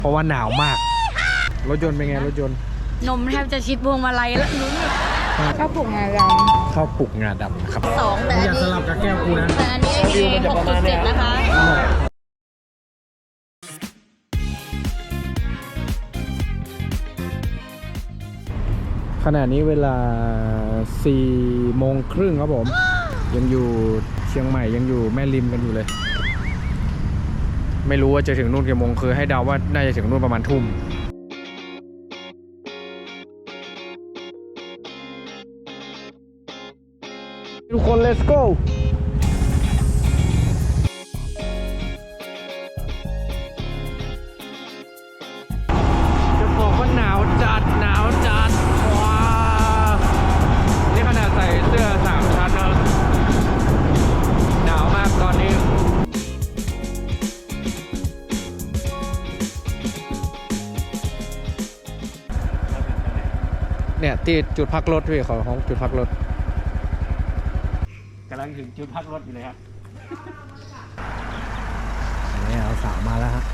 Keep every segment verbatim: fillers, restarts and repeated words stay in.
เพราะว่าหนาวมากรถยนต์เป็นไงรถยนต์นมแทบจะชิดพวงมาลัยแล้วลุ้นข้าวปลุกงาดำข้าวปลุกงาดำครับสองแต่อันนี้อย่าสลับกับแก้วกูนะแต่อันนี้ เอ หกจุดเจ็ด นะคะขณะนี้เวลาสี่โมงครึ่งครับผมยังอยู่เชียงใหม่ยังอยู่แม่ริมกันอยู่เลยไม่รู้ว่าจะถึงนู่นกี่โมงคือให้เดาว่าน่าจะถึงนู่นประมาณทุ่มทุกคน let's go จะบอกว่าหนาวจัดหนาวจัดว้านี่ขนาดใส่เสื้อสามชั้นนะหนาวมากตอนนี้เนี่ยที่จุดพักรถพี่ของของจุดพักรถกำลังถึงจุดพักรถอยู่เลยครับนี่เอาสาวมาแล้วฮะ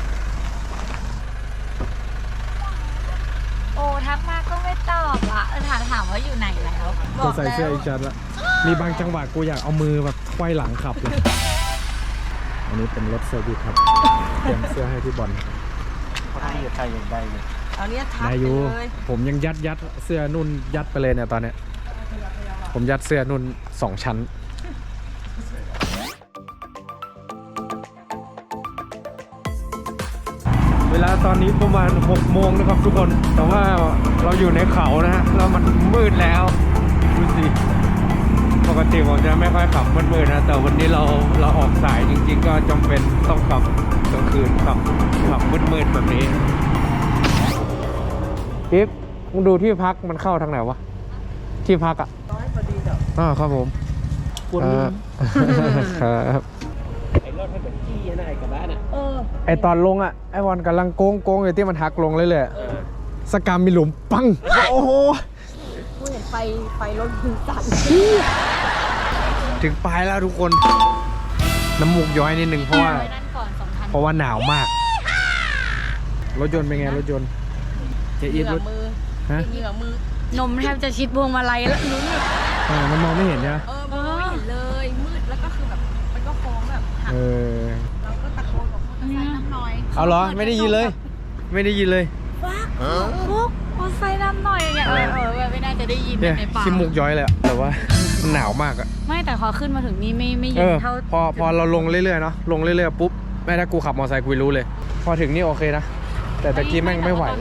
โอ้ทักมาก็ไม่ตอบละเออถามถามว่าอยู่ไหนแล้วก็ใส่เสื้ออีกชั้นละมีบางจังหวะกูอยากเอามือแบบไขว้หลังขับเลยอันนี้เป็นรถเซอร์วิสครับเตรียมเสื้อให้พี่บอลเขาที่จะใส่อย่างใดเลยเอาเนี้ยทักไปเลยผมยังยัดยัดเสื้อนุ่นยัดไปเลยเนี่ยตอนเนี้ยผมยัดเสื้อนุ่นสองชั้นเวลาตอนนี้ประมาณหกโมงนะครับทุกคนแต่ว่าเราอยู่ในเขานะฮะแล้วมันมืดแล้วดูสิปกติผมจะไม่ค่อยขับมืดๆนะแต่วันนี้เราเราออกสายจริงๆก็จำเป็นต้องขับกลางคืนขับขับมืดๆแบบนี้อีฟมึงดูที่พักมันเข้าทางไหนวะที่พักอ่ะอ๋อครับผมปวดมือครับไอ้รถมันเป็นจี้นะไอ้กระบะน่ะเออไอตอนลงอ่ะไอวันกำลังโก้งโก้งอยู่ที่มันหักลงเลยเลยสกามมีหลุมปังโอ้โหกูเห็นไฟไฟรถถึงสั่นถึงปลายแล้วทุกคนน้ำมูกย้อยนิดนึงเพราะว่าเพราะว่าหนาวมากรถยนต์เป็นไงรถยนต์จะอีทรถฮะเหงื่อมือนมแทบจะชิดพวงมาลัยแล้วลุ้นอ่ามันมองไม่เห็นใช่ไหมเออมองไม่เห็นเลยมืดแล้วก็คือแบบมันก็โค้งแบบหักเราก็ตะโกนบอกมอเตอร์ไซค์น้ำน้อยเอาเหรอไม่ได้ยินเลยไม่ได้ยินเลยฟักฟุกมอเตอร์ไซค์น้ำน้อยอย่างเงี้ยเออเออไม่น่าจะได้ยินในป่าขี้มูกย้อยเลยแต่ว่ามันหนาวมากอะไม่แต่พอขึ้นมาถึงนี่ไม่ไม่เย็นเท่าพอพอเราลงเรื่อยๆเนาะลงเรื่อยๆปุ๊บแม่ถ้ากูขับมอเตอร์ไซค์กูรู้เลยพอถึงนี่โอเคนะแต่ตะกี้แม่งไม่ไหว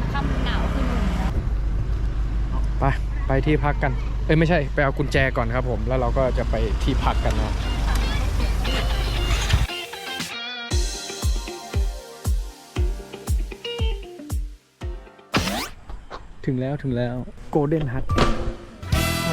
ไปไปที่พักกันเอ้ยไม่ใช่ไปเอากุญแจก่อนครับผมแล้วเราก็จะไปที่พักกันนะถึงแล้วถึงแล้วโกลเด้นฮัทไม่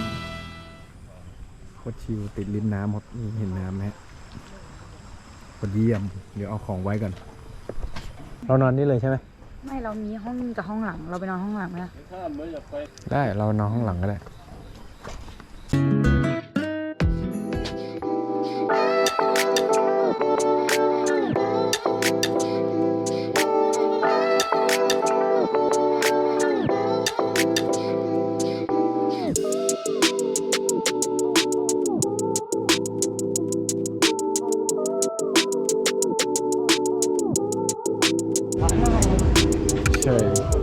โคตรชิลติดริมน้ำหมดเห็นน้ำไหมพอเยี่ยมเดี๋ยวเอาของไว้กันเรานอนนี่เลยใช่ไหมไม่เรามีห้องกับห้องหลังเราไปนอนห้องหลังไหมได้เรานอนห้องหลังก็ได้ใช่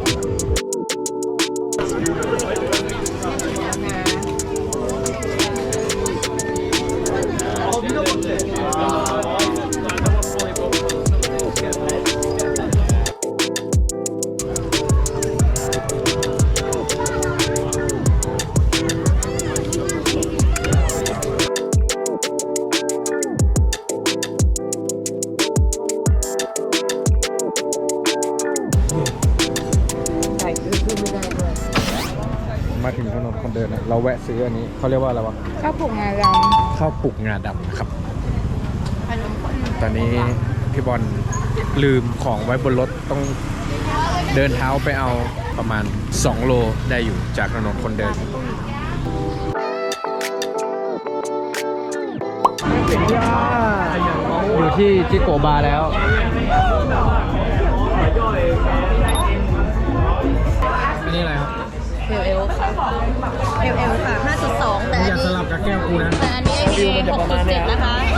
มาถึงถนนคนเดินนะเราแวะซื้ออันนี้เขาเรียกว่าอะไรวะข้าวปลุกงาดำข้าวปลุกงาดำนะครับตอนนี้พี่บอลลืมของไว้บนรถต้องเดินเท้าไปเอาประมาณสองโลได้อยู่จากถนนคนเดินอยู่ที่จิโกบาร์แล้วแก้วกูนะแต่อันนี้ไอพีหกจุดเจ็ดนะคะ